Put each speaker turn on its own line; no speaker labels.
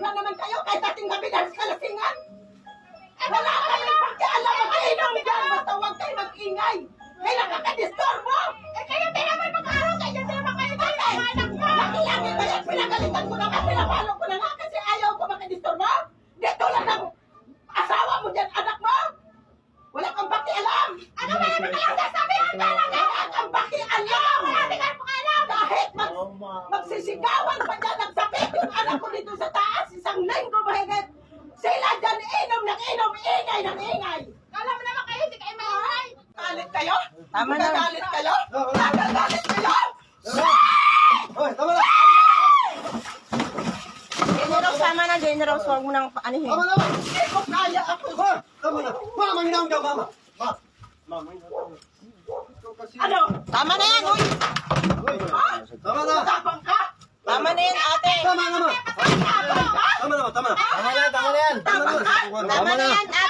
na naman kayo kahit ating gabi dahil sa kalasingan. Wala kayong pakialam, mag-inom dyan. Basta huwag kayo mag-ingay. May nakakadisturbo. Kayo din naman mag-araw. Kayo din naman kayo dyan. Lagi-lagi ba yan? Pinagalitan ko na nga. Pinapalo ko na nga kasi ayaw ko makadisturbo. Di tulad ng asawa mo dyan, anak mo. Wala kang pakialam. Ano ba naman kayong sasabihan ka lang? Wala kang pakialam. Wala kang pakialam. Kahit magsisigawan pa dyan, nagsakit yung anak ko dito sa taas. Isang linggo mahigit. Sila dyan inom ng inom, ingay ng ingay. Alam mo naman kayo, hindi kayo maingay. Galit kayo?
Tama na.
Galit kayo? Galit kayo?
Hoy, tama na!
General, tama na, General. Huwag mo nang anihin.
Tama na!
Hindi ko kaya ako.
Hoy, tama na! Ma, manginang daw, mama! Ma! Ma, manginang daw.
Ano?
Tama na yan, uy.
Ha?
Tama na!
Matapang ka?
Tama na yan, ate.
Tama na, ma!
Matapang ka?
Tama na, ma! Tama na!
Tama na yan.
Tama na!
Tama na yan,